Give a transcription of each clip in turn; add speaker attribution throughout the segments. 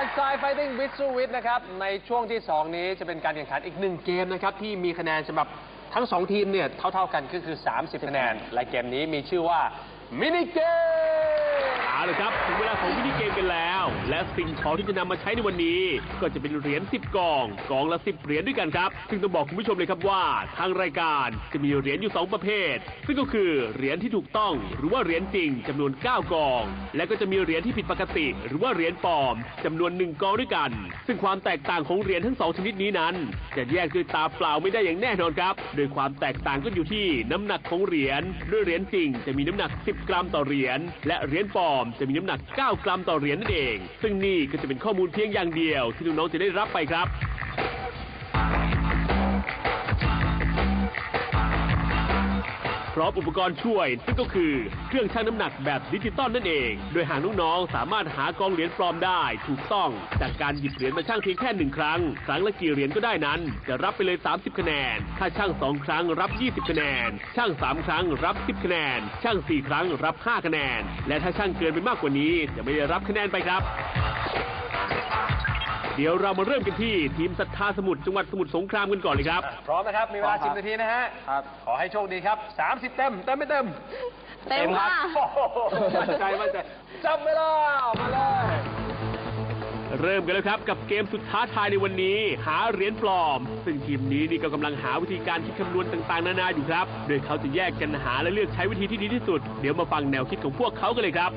Speaker 1: Side Fighting with สู้วิทย์นะครับในช่วงที่ 2 นี้จะเป็นการแข่งขันอีก1เกมนะครับที่มีคะแนนสำหรับทั้ง2ทีมเนี่ยเท่าๆกันก็คือ30คะแนนและเกมนี้มีชื่อว่ามินิเกม
Speaker 2: เอาละครับถึงเวลาของมินิเกมกันแล้วและสิ่งของที่จะนำมาใช้ในวันนี้ก็จะเป็นเหรียญ10กองละ10เหรียญด้วยกันครับซึ่งต้องบอกคุณผู้ชมเลยครับว่าทางรายการจะมีเหรียญอยู่2ประเภทซึ่งก็คือเหรียญที่ถูกต้องหรือว่าเหรียญจริงจำนวน9กองและก็จะมีเหรียญที่ผิดปกติหรือว่าเหรียญปลอมจำนวน1กองด้วยกันซึ่งความแตกต่างของเหรียญทั้ง2ชนิดนี้นั้นจะแยกด้วยตาเปล่าไม่ได้อย่างแน่นอนครับโดยความแตกต่างก็อยู่ที่น้ำหนักของเหรียญด้วยเหรียญจริงจะมีน้ำหนัก10กรัมต่อเหรียญและเหรียญปลอมจะมีน้ำหนัก9กรัมต่อเหรียญนั่นเองซึ่งนี่ก็จะเป็นข้อมูลเพียงอย่างเดียวที่น้องๆจะได้รับไปครับพร้อมอุปกรณ์ช่วยซึ่งก็คือเครื่องชั่งน้ำหนักแบบดิจิตอลนั่นเองโดยหากน้องๆสามารถหากองเหรียญปลอมได้ถูกต้องจากการหยิบเหรียญมาชั่งเพียงแค่1ครั้งละกี่เหรียญก็ได้นั้นจะรับไปเลย30คะแนนถ้าชั่ง2ครั้งรับ20คะแนนชั่ง3ครั้งรับ10คะแนนชั่ง4ครั้งรับ5คะแนนและถ้าชั่งเกินไปมากกว่านี้จะไม่ได้รับคะแนนไปครับเดี๋ยวเรามาเริ่มกันที่ทีมศรัทธาสมุทรจังหวัดสมุทรสงครามกันก่อนเลยครับ
Speaker 1: พร้อมนะครับมีเวลา10นาทีนะฮะครับขอให้โชคดีครับ30เต็มไม่เต็ม
Speaker 3: เต็มค่ะ
Speaker 1: มั่นใจจับเวลามาเลย
Speaker 2: เริ่มกันแล้วครับกับเกมสุดท้าทายในวันนี้หาเหรียญปลอมซึ่งทีมนี้นี่ก็กำลังหาวิธีการคิดคำนวณต่างๆนานาอยู่ครับโดยเขาจะแยกกันหาและเลือกใช้วิธีที่ดีที่สุดเดี๋ยวมาฟังแนวคิดของพวกเขากันเลยครับ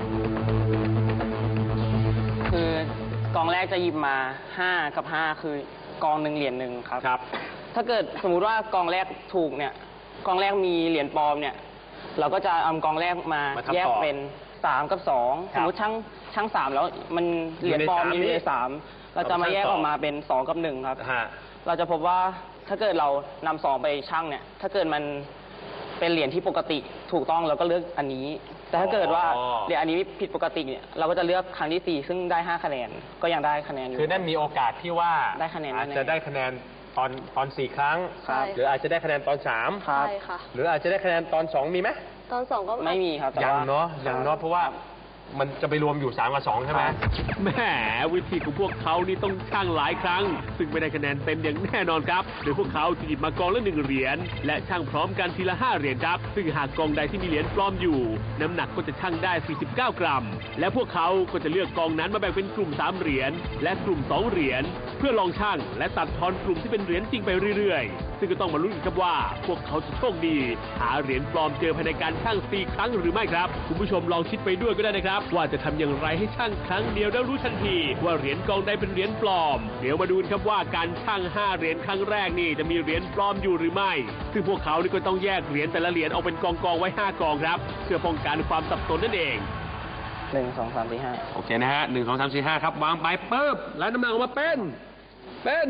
Speaker 4: คือกองแรกจะหยิบมา5กับ5คือกองหนึ่งเหรียญหนึ่งครับถ้าเกิดสมมุติว่ากองแรกถูกเนี่ยกองแรกมีเหรียญปลอมเนี่ยเราก็จะเอากองแรกมาแยกเป็น3กับ2สมมติช่าง3แล้วมันเหรียญปลอมมีอยู่ใน3เราจะมาแยกออกมาเป็น2กับ1ครับเราจะพบว่าถ้าเกิดเรานำ2ไปชั่งเนี่ยถ้าเกิดมันเป็นเหรียญที่ปกติถูกต้องเราก็เลือกอันนี้แต่ถ้าเกิดว่าเหรียญอันนี้ผิดปกติเนี่ยเราก็จะเลือกครั้งที่4ซึ่งได้5คะแนนก็ยังได้คะแนนอยู่
Speaker 1: คือนั่นมีโอกาสที่ว่า
Speaker 4: ได้คะแนน
Speaker 1: อาจจะได้คะแนนตอน4ครั้งหรืออาจจะได้คะแนนตอน3
Speaker 3: ใช่ค่ะ
Speaker 1: หรืออาจจะได้คะแนนตอน2มีไหม
Speaker 3: ตอน2ก็
Speaker 4: ไม่มีครับ
Speaker 1: ยังเนาะเพราะว่ามันจะไปรวมอยู่3กับ2ใช่ไหม
Speaker 2: แหมวิธีของพวกเขานี่ต้องชั่งหลายครั้งซึ่งไม่ได้คะแนนเต็มอย่างแน่นอนครับโดยพวกเขาจะหยิบมากองละ1เหรียญและชั่งพร้อมกันทีละ5เหรียญครับซึ่งหากกองใดที่มีเหรียญปลอมอยู่น้ำหนักก็จะชั่งได้49กรัมและพวกเขาก็จะเลือกกองนั้นมาแบ่งเป็นกลุ่ม3เหรียญและกลุ่ม2เหรียญเพื่อลองชั่งและตัดทอนกลุ่มที่เป็นเหรียญจริงไปเรื่อยๆซึ่งก็ต้องมาลุ้นกันครับว่าพวกเขาจะโชคดีหาเหรียญปลอมเจอภายในการชั่ง4ครั้งหรือไม่ครับคุณผู้ชมลองคิดไปด้วยก็ได้นะครับว่าจะทำอย่างไรให้ชั่งครั้งเดียวแล้วรู้ทันทีว่าเหรียญกองใดเป็นเหรียญปลอมเดี๋ยวมาดูครับว่าการชั่ง5เหรียญครั้งแรกนี่จะมีเหรียญปลอมอยู่หรือไม่ซึ่งพวกเขานี่ก็ต้องแยกเหรียญแต่ละเหรียญออกเป็นกองไว้5กองครับเพื่อป้องกันความสับสนนั่นเอง
Speaker 4: 1 2 3 4 5
Speaker 1: โอเคนะฮะ1 2 3 4 5ครับวางไปปึ๊บแล้วน้ำหนักออกมาเป็น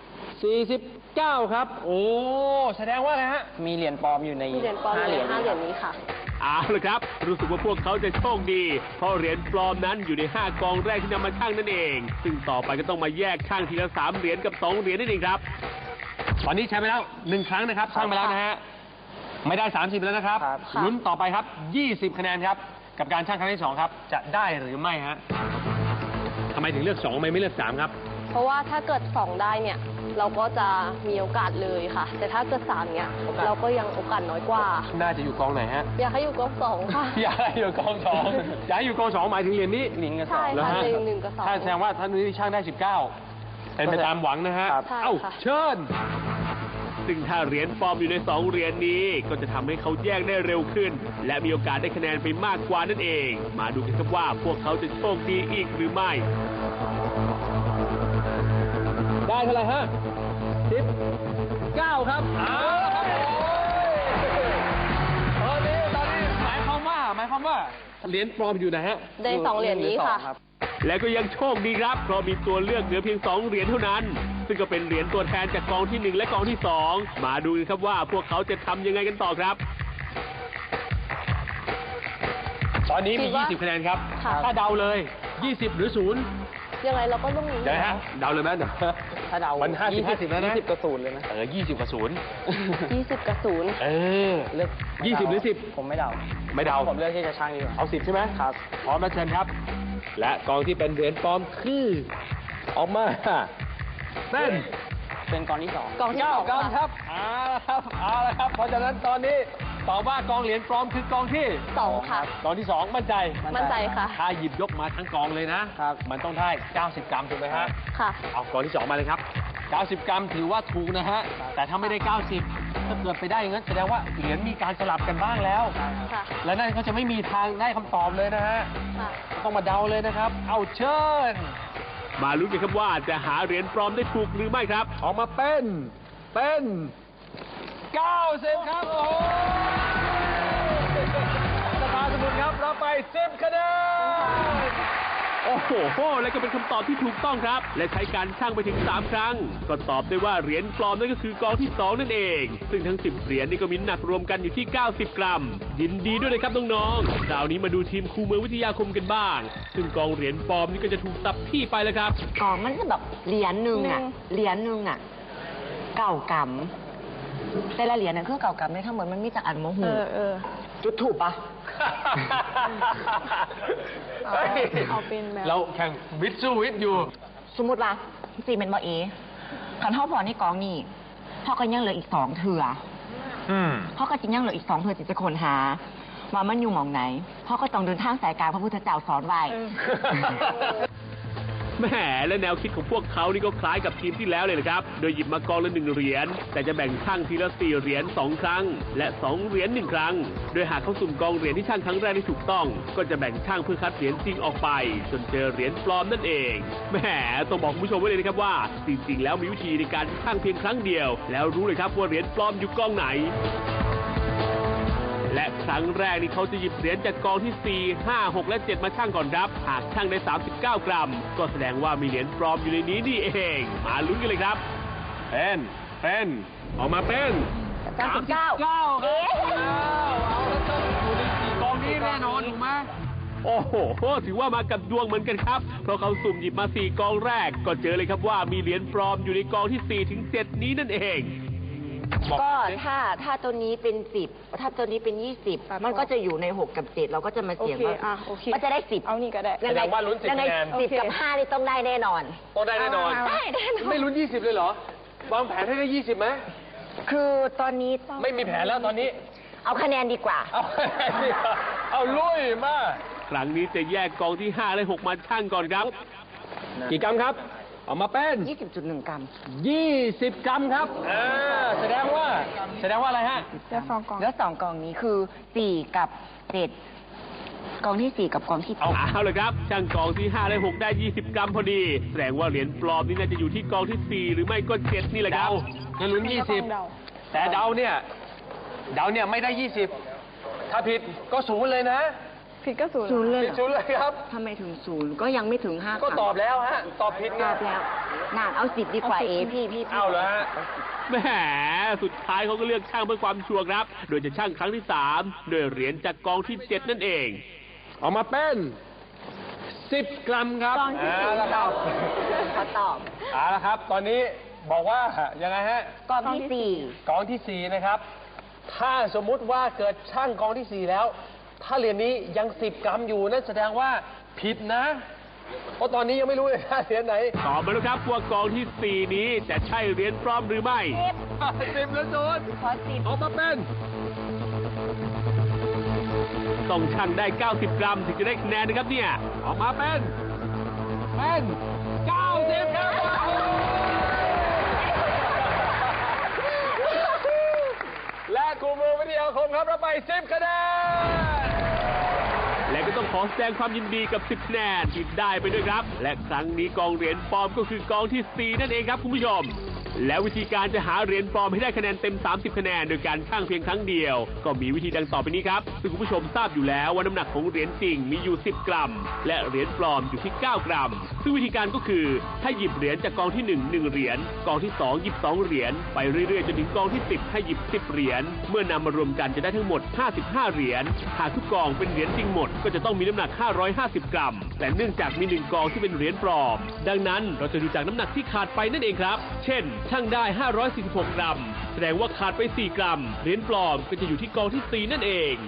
Speaker 1: 49ครับโอ้แสดงว่าอะไรฮะ
Speaker 4: มีเหรียญปลอมอยู่ใน
Speaker 3: 5เหรียญนี้ค่ะ
Speaker 2: เอาละครับรู้สึกว่าพวกเขาจะโชคดีเพราะเหรียญปลอมนั้นอยู่ใน5กองแรกที่นำมาชั่งนั่นเองซึ่งต่อไปก็ต้องมาแยกชั่งทีละ3เหรียญกับ2เหรียญนั่นเองครับ
Speaker 1: ตอนนี้ใช้ไปแล้ว1ครั้งนะครับชั่งไปแล้วนะฮะไม่ได้30แล้วนะครับลุ้นต่อไปครับ20คะแนนครับกับการชั่งครั้งที่2ครับจะได้หรือไม่ฮะทำไมถึงเลือก2ไม่เลือก3ครับ
Speaker 3: เพราะว่าถ้าเกิด2ได้เนี่ยเราก็จะมีโอกาสเลยค่ะแต่ถ้าเกิด3เนี่ยเราก็ยังโอกาสน้อยกว่า
Speaker 1: น่าจะอยู่กองไหนฮะ
Speaker 3: อยากให้อยู่กอง2ค่ะ
Speaker 1: อยากให้อยู่กอง2อยากให้อยู่กอง2หมายถึงเหรียญนี้
Speaker 4: 1กับ2
Speaker 3: ใช่ค่ะ1กับ2
Speaker 1: ถ้าแสดงว่าท่านนี้ช่างได้19เป็นไปตามหวังนะฮะเอ้าเชิญ
Speaker 2: ซึ่งถ้าเหรียญปลอมอยู่ใน2เหรียญนี้ก็จะทำให้เขาแยกได้เร็วขึ้นและมีโอกาสได้คะแนนไปมากกว่านั่นเองมาดูกันครับว่าพวกเขาจะโชคดีอีกหรือไม่
Speaker 1: ได้เท่าไหร่ฮะ19ครับเอาละครับตอนนี้หมายความว่าเหรียญปลอมอยู่นะฮะ
Speaker 3: ได้2เหรียญนี้ค่ะ
Speaker 2: และก็ยังโชคดีครับเพราะมีตัวเลือกเหลือเพียง2เหรียญเท่านั้นซึ่งก็เป็นเหรียญตัวแทนจากกองที่1และกองที่2มาดูกันครับว่าพวกเขาจะทำยังไงกันต่อครับ
Speaker 1: ตอนนี้มี20คะแนนครับถ้าเดาเลย20หรือ0
Speaker 3: ยังไงเราก็ต้องรู้
Speaker 1: นะฮะเดาเลยไหม
Speaker 4: ถ้าเดา
Speaker 1: มัน50แล้วนะ
Speaker 4: 20กับ0เลยนะ
Speaker 1: 20กับ0
Speaker 3: 20กับ0
Speaker 4: เลือก
Speaker 1: 20หรือ10
Speaker 4: ผมไม่เดา
Speaker 1: ไม่เดา
Speaker 4: ผมเลือกที่จะชั่งดีกว่า
Speaker 1: เอา10ใช่ไหม
Speaker 4: ครับ
Speaker 1: พร้อมแล้วเชิญครับและกองที่เป็นเหรียญปลอมคือออกมา
Speaker 4: เป็นกองที่สอง
Speaker 3: กองที่สอง
Speaker 1: 9 กรัมครับเอาละครับเพราะฉะนั้นตอนนี้ตอบว่ากองเหรียญปลอมคือกองที่
Speaker 3: สองค่ะ
Speaker 1: กองที่ 2 มั่นใจ
Speaker 3: มั่นใจค่ะ
Speaker 1: ถ้าหยิบยกมาทั้งกองเลยนะ มันต้องได้ 90 กรัมถูกไหมฮะ
Speaker 3: ค่ะ
Speaker 1: เอากองที่ 2 มาเลยครับ 90 กรัมถือว่าถูกนะฮะ แต่ถ้าไม่ได้ 90 ถ้าเกิดไปได้อย่างนั้นแสดงว่าเหรียญมีการสลับกันบ้างแล้ว
Speaker 3: ค่ะ
Speaker 1: และนั่นก็จะไม่มีทางได้คำตอบเลยนะฮะ
Speaker 3: ค่ะ
Speaker 1: ต้องมาเดาเลยนะครับ เอาเชิญ
Speaker 2: มาลุ้นกันครับว่าจะหาเหรียญปลอมได้ถูกหรือไม่ครับ
Speaker 1: ออกมาเป็น90 ครับ โอ้โหสภาสมุนครับรับไป 10 คะแนน
Speaker 2: โอ้โห และก็เป็นคำตอบที่ถูกต้องครับ และใช้การชั่งไปถึง 3 ครั้ง ก็ตอบได้ว่าเหรียญปลอมนั่นก็คือกองที่ 2 นั่นเอง ซึ่งทั้ง 10 เหรียญนี่ก็มีน้ำหนักรวมกันอยู่ที่ 90 กรัม ยินดีด้วยเลยครับน้องๆคราวนี้มาดูทีมครูเมืองวิทยาคมกันบ้าง ซึ่งกองเหรียญปลอมนี่ก็จะถูกตับที่ไปแล้วครับ
Speaker 5: กล่องมันจะแบบเหรียญหนึ่งอ่ะเก่ากำแต่ละเหรียญนั่นคือเก่ากำในทั้งหมดมันมีจากอันโมโหจุดถูกปะ
Speaker 3: เอาเป็นแบบ
Speaker 1: เราแข่งวิทย์สู้วิทย์อยู่
Speaker 5: สมมติว่าสีเป็นบอเอขันท่อพอนี่กองนี่พ่อก็ยังเหลืออีก2 เถื่อพ่อก็จริงยังเหลืออีก2 เถื่อที่จะค้นหาว่ามันอยู่หมองไหนพ่อก็ต้องเดินทางสายกลางพระพุทธเจ้าสอนไว้
Speaker 2: แหมและแนวคิดของพวกเขานี่ก็คล้ายกับทีมที่แล้วเลยนะครับ โดยหยิบมากองละ1 เหรียญ แต่จะแบ่งช่างทีละ 4 เหรียญ 2 ครั้ง และ 2 เหรียญ 1 ครั้ง โดยหากเขาสุ่มกองเหรียญที่ช่างครั้งแรกที่ถูกต้อง ก็จะแบ่งช่างเพื่อคัดเหรียญจริงออกไป จนเจอเหรียญปลอมนั่นเอง แหมต้องบอกคุณผู้ชมไว้เลยนะครับว่า จริงๆ แล้วมีวิธีในการช่างเพียงครั้งเดียว แล้วรู้เลยครับว่าเหรียญปลอมอยู่กองไหน และครั้งแรกนี่เขาจะหยิบเหรียญจากกองที่ 4 5 6 และ 7 มาชั่งก่อนครับ หากชั่งได้ 39 กรัม ก็แสดงว่ามีเหรียญปลอมอยู่ในนี้นี่เอง มาลุ้นกันเลยครับ
Speaker 1: เป็นออกมาเป็น
Speaker 5: 39
Speaker 1: 39
Speaker 5: เอ๊ะ
Speaker 1: เอาแล้วต้องอยู่ใน4 กองนี้แน่นอนถูกไหม
Speaker 2: โอ้โห ถือว่ามากับดวงเหมือนกันครับ เพราะเขาสุ่มหยิบมา 4 กองแรก ก็เจอเลยครับว่ามีเหรียญปลอมอยู่ในกองที่ 4 ถึง 7 นี้นั่นเอง
Speaker 5: ก็ถ้าตัวนี้เป็น10ถ้าตัวนี้เป็น20มันก็จะอยู่ใน6 กับ 7เราก็จะมาเสียงว่า
Speaker 3: โอเค
Speaker 5: มันจะได้10
Speaker 3: เอานี่ก็ได้
Speaker 1: แสดงว่าลุ้น10
Speaker 5: ยังไง
Speaker 1: คะแนน
Speaker 5: 10 กับ 5 นี่ต้องได้แน่นอน
Speaker 1: ต้องได้แน่นอน
Speaker 5: ได้แน่นอน
Speaker 1: ไม่ลุ้น 20 เลยเหรอ วางแผนให้ได้ 20ไหม
Speaker 5: คือตอนนี้ต้อง
Speaker 1: ไม่มีแผนแล้วตอนนี้
Speaker 5: เอาคะแนนดีกว่า
Speaker 1: เอาลุยมา
Speaker 2: ครั้งนี้จะแยกกองที่ 5 และ 6 มาชั่งก่อนครับ
Speaker 1: กี่กรัมครับ ออกมาเป็น
Speaker 5: 20.1 กรัม
Speaker 1: 20 กรัมครับแสดงว่าอะไรฮะ
Speaker 3: จะสองกล่อง
Speaker 5: แล้ว2 กล่องนี้คือ 4 กับ 7 กล่องที่ 4 กับกล่องที่
Speaker 2: เอาเลยครับ ช่างกองที่ 5 และ 6 ได้ 20 กรัมพอดี แสดงว่าเหรียญปลอมนี่น่าจะอยู่ที่กองที่ 4 หรือไม่ก็ 7 นี่แหละครับ
Speaker 1: งั้นลุ้น
Speaker 3: ต้องเดา
Speaker 1: 20 แต่เดาเนี่ยไม่ได้ 20 ถ้าผิดก็ศูนย์เลยนะ
Speaker 3: ผิดก็ศูนย์
Speaker 5: 0เลย
Speaker 1: ผิดศูนย์เลยครับ
Speaker 5: ทำไมถึง 0 ก็ยังไม่ถึง 5
Speaker 1: ก็ตอบแล้วฮะ ตอบผิด
Speaker 5: ต
Speaker 1: ไง
Speaker 5: อบแล้วน่าเอา 10 ดีกว่าพี่
Speaker 1: เอาเหรอฮะ
Speaker 2: แหมสุดท้ายเขาก็เลือกช่างเพื่อความชัวร์ครับ โดยจะช่างครั้งที่ 3 โดยเหรียญจากกองที่ 7 นั่นเอง
Speaker 1: ออกมาเป็น 10 กรัมครับ
Speaker 3: กองที่
Speaker 1: เอาละครับ
Speaker 5: ขอตอบ
Speaker 1: เอาละครับ ตอนนี้บอกว่ายังไงฮะ
Speaker 5: กล่องที่
Speaker 1: กองที่ 4 นะครับ ถ้าสมมุติว่าเกิดช่างกองที่ 4 แล้ว ถ้าเหรียญนี้ยัง 10 กรัมอยู่นั่นแสดงว่าผิดนะ เพราะตอนนี้ยังไม่รู้เลยนะเหรียญไหน
Speaker 2: ตอบมาแล้วครับว่ากองที่ 4 นี้จะใช่เหรียญปลอมหรือไม่
Speaker 1: 10 แล้วโดน
Speaker 5: 4ขอ10
Speaker 1: ออกมาเป็น
Speaker 2: ต้องชั่งได้ 90 กรัมถึงจะได้คะแนนนะครับเนี่ย
Speaker 1: ออกมาเป็น 90 ครับและครูมือวิทยาคมครับรับไป 10 คะแนน
Speaker 2: และก็ต้องขอแสดงความยินดีกับ 10 คะแนนที่ได้ไปด้วยครับ และครั้งนี้กองเหรียญปลอมก็คือกองที่ 4 นั่นเองครับคุณผู้ชม และวิธีการจะหาเหรียญปลอมให้ได้คะแนนเต็ม 30 คะแนนโดยการชั่งเพียงครั้งเดียว ก็มีวิธีดังต่อไปนี้ครับ ซึ่งคุณผู้ชมทราบอยู่แล้วว่าน้ำหนักของเหรียญจริงมีอยู่ 10 กรัม และเหรียญปลอมอยู่ที่ 9 กรัม ซึ่งวิธีการก็คือถ้าหยิบเหรียญจากกองที่ 1 เหรียญ กองที่ 2 หยิบ 2 เหรียญ ไปเรื่อยๆจนถึงกองที่ 10 ให้หยิบ 10 เหรียญ เมื่อนำมารวมกันจะได้ทั้งหมด 55 เหรียญ หากทุกกองเป็นเหรียญจริงหมดก็จะต้องมีน้ำหนัก 550 กรัม แต่เนื่องจากมี 1 กองที่เป็นเหรียญปลอม ดังนั้นเราจะดูจากน้ำหนักที่ขาดไปนั่นเองครับ เช่นชั่งได้ 546 กรัม แสดงว่าขาดไป 4 กรัม เหรียญปลอมก็จะอยู่ที่กองที่ 4 นั่นเอง